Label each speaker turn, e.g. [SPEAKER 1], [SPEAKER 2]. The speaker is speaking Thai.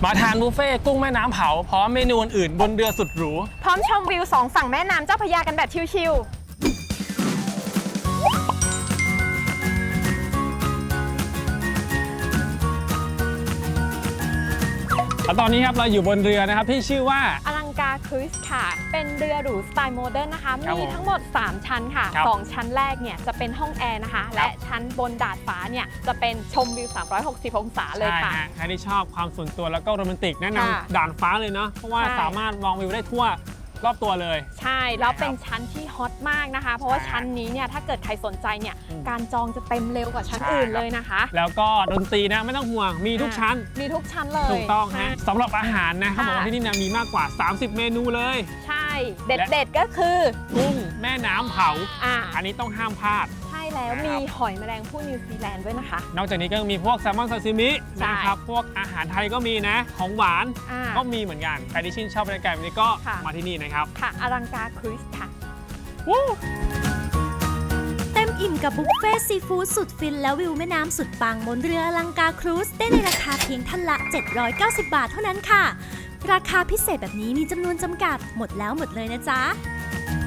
[SPEAKER 1] มาทานบุฟเฟ่กุ้งแม่น้ำเผาพร้อมเมนูอื่นบนเรือสุดหรู
[SPEAKER 2] พร้อมชมวิวสองฝั่งแม่น้ำเจ้าพระยากันแบบชิล
[SPEAKER 1] แล้วตอนนี้ครับเราอยู่บนเรือนะครับที่ชื่อว่า
[SPEAKER 2] อลังกาครูซค่ะเป็นเรือหรูสไตล์โมเดิร์นนะคะ
[SPEAKER 1] ครับ
[SPEAKER 2] มีทั้งหมด3ชั้นค่ะ
[SPEAKER 1] ครับ
[SPEAKER 2] 2ชั้นแรกเนี่ยจะเป็นห้องแอร์นะคะ และชั้นบนดาดฟ้าเนี่ยจะเป็นชมวิว360องศาเลย
[SPEAKER 1] ใช่
[SPEAKER 2] ค่ะ
[SPEAKER 1] ฮะใครที่ชอบความส่วนตัวแล้วก็โรแมนติกแนะน
[SPEAKER 2] ค่ะ
[SPEAKER 1] ำด่านฟ้าเลยเนาะเพราะว่า
[SPEAKER 2] ใช่
[SPEAKER 1] สามารถมองวิวได้ทั่วรอบตัวเลย
[SPEAKER 2] ใช่แล้วเป็นชั้นที่ฮอตมากนะคะ เพราะว่าชั้นนี้เนี่ยถ้าเกิดใครสนใจเนี่ย
[SPEAKER 1] อืม
[SPEAKER 2] การจองจะเต็มเร็วกว่าชั้น
[SPEAKER 1] ใช่
[SPEAKER 2] อื่น
[SPEAKER 1] ครับ
[SPEAKER 2] เลยนะคะ
[SPEAKER 1] แล้วก็ดนตรีนะไม่ต้องห่วงมีทุกชั้น
[SPEAKER 2] มีทุกชั้นเลย
[SPEAKER 1] ถูกต้องฮะ
[SPEAKER 2] ใช่
[SPEAKER 1] สำหรับอาหารนะเขา
[SPEAKER 2] ค่ะ
[SPEAKER 1] บอกว่าที่นี่นะมีมากกว่า 30 เมนูเลย
[SPEAKER 2] ใช่ เด็ดๆก็คือ
[SPEAKER 1] กุ้งแม่น้ำเผา
[SPEAKER 2] อั
[SPEAKER 1] นนี้ต้องห้ามพลาด
[SPEAKER 2] ใช่แล้ว
[SPEAKER 1] นะครับ
[SPEAKER 2] มีหอยแมลงภู่นิวซีแลนด์ด้วยนะคะ
[SPEAKER 1] นอกจากนี้ก็ยังมีพวกแซลมอนซาซิมิ
[SPEAKER 2] ใช่
[SPEAKER 1] นะครับพวกอาหารไทยก็มีนะของหวาน
[SPEAKER 2] อ่า
[SPEAKER 1] ก็มีเหมือนกันใครที่ชื่นชอบบรรยากาศแบบนี้ก็
[SPEAKER 2] ค่ะ
[SPEAKER 1] มาที่นี่นะครับ
[SPEAKER 2] ค่ะอลังกาครูซค่ะ
[SPEAKER 3] เต็มอิ่มกับบุฟเฟ่ซีฟู้ดสุดฟินและวิวแม่น้ำสุดปังบนเรืออลังกาครูซได้ในราคาเพียงท่านละ 790 บาทเท่านั้นค่ะ ราคาพิเศษแบบนี้มีจำนวนจำกัดหมดแล้วหมดเลยนะจ๊ะ